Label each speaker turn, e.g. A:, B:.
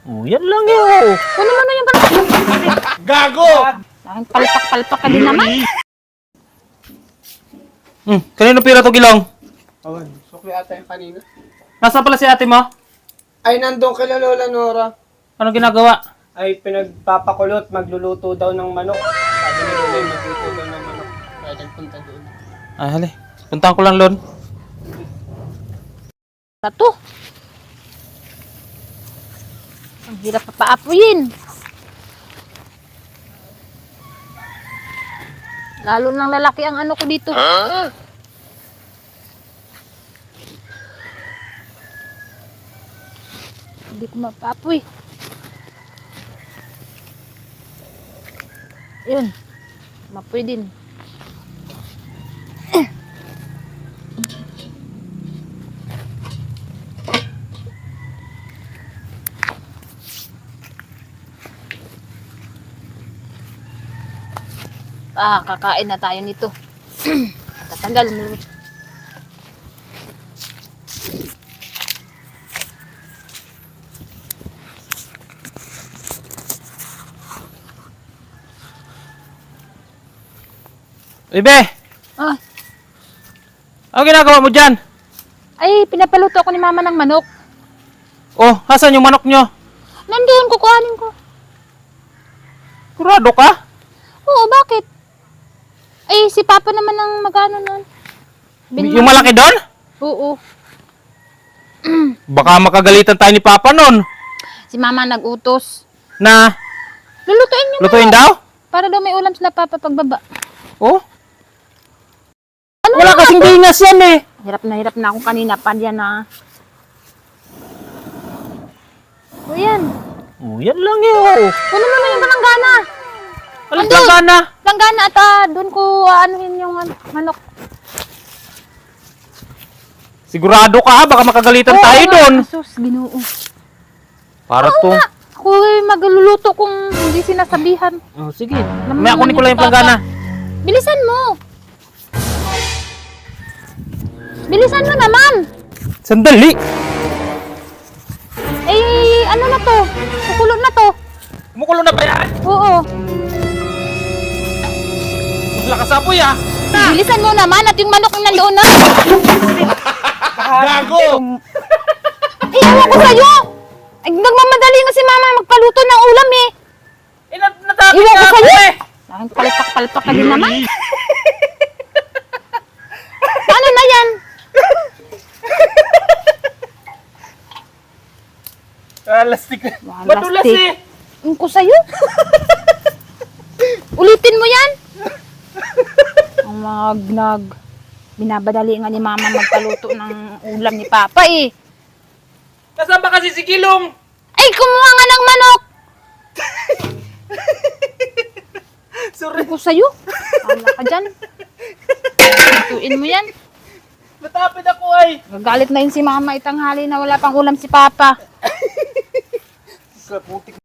A: Oh, yan lang yun.
B: Kunin mo na yung palpak.
C: Gago!
B: Ang palpak-palpak ka din naman.
A: Kanino pira to, Gilong?
C: Awan, sukli ata yung kanina.
A: Nasaan pala si ate mo?
C: Ay, nandun kila Lola Nora.
A: Anong ginagawa?
C: Ay, pinagpapakulot, magluluto daw ng manok. Sabi ni Lola, magluto daw ng manok. Kaya nagpunta doon.
A: Ay, hali. Puntahan ko lang, Lon.
B: Ito. Ang hirap papaapuyin. Lalo ng lalaki ang ano ko dito. Hindi ko mapaapoy. Yun. Mapoy din. Kakain na tayo nito. Tatagal mo.
A: Ibe!
B: Ah,
A: Ano ginagawa mo dyan?
B: ay, pinapaluto ako ni mama ng manok.
A: Oh, hasan yung manok nyo?
B: Nandiyan, kukuhanin ko.
A: Kurado ka?
B: Oo, bakit? Ay, si papa naman ang magano nun.
A: Yung malaki doon?
B: Oo.
A: Baka makagalitan tayo ni Papa nun.
B: Si mama nag-utos.
A: Na,
B: Lulutuin niyo
A: lutuin
B: muna.
A: daw?
B: Para daw may ulam sila papa pagbaba.
A: Oh,
B: Ano
A: wala kasing bingas yan eh.
B: Hirap na ako kanina pa diyan na. O yan.
A: Oh, yan lang yun.
B: Kunin mo na yung langgana.
A: Alam
B: Andun.
A: ka na.
B: Langgana at doon ko anuhin yung manok.
A: Sigurado ka ha, baka makagalitan
B: Oo
A: tayo
B: nga,
A: doon.
B: Sus, Ginoo.
A: Para
B: Oo
A: to.
B: nga. Ako magluluto kung hindi sinasabihan.
A: Oh, sige.
B: Alam mo
A: May kunin
B: naman
A: ko lang
B: yung
A: yung planggana.
B: Bilisan mo. Bilisan mo naman.
A: Sandali.
B: Eh, ano na to? Kukulo na to.
A: Kumukulo na ba yan?
B: Oo.
A: Lakas apoy ah.
B: Bilisan mo naman at yung manok na nandoon na.
C: Gago!
B: Eh, ewan ko sa'yo. Ay, nagmamadali nga si mama magpaluto ng ulam eh.
A: Natapit
B: Iwan ko
A: na ako
B: sa'yo.
A: eh.
B: Aking palpak-palpak ka din naman. Ano na yan?
C: Lastik na.
A: Madulas eh.
B: Ewan ko sa'yo. Ulitin mo yan. Ang binabadali nga ni mama magpaluto ng ulam ni papa eh.
A: Nasaan ba kasi si Gilong?
B: Ay, kumuha nga ng manok.
A: Sorry.
B: Ako sa'yo. Wala ka dyan. Lutuin mo yan.
A: Natapit ako ay.
B: Gagalit na yun si mama itanghali na wala pang ulam si papa.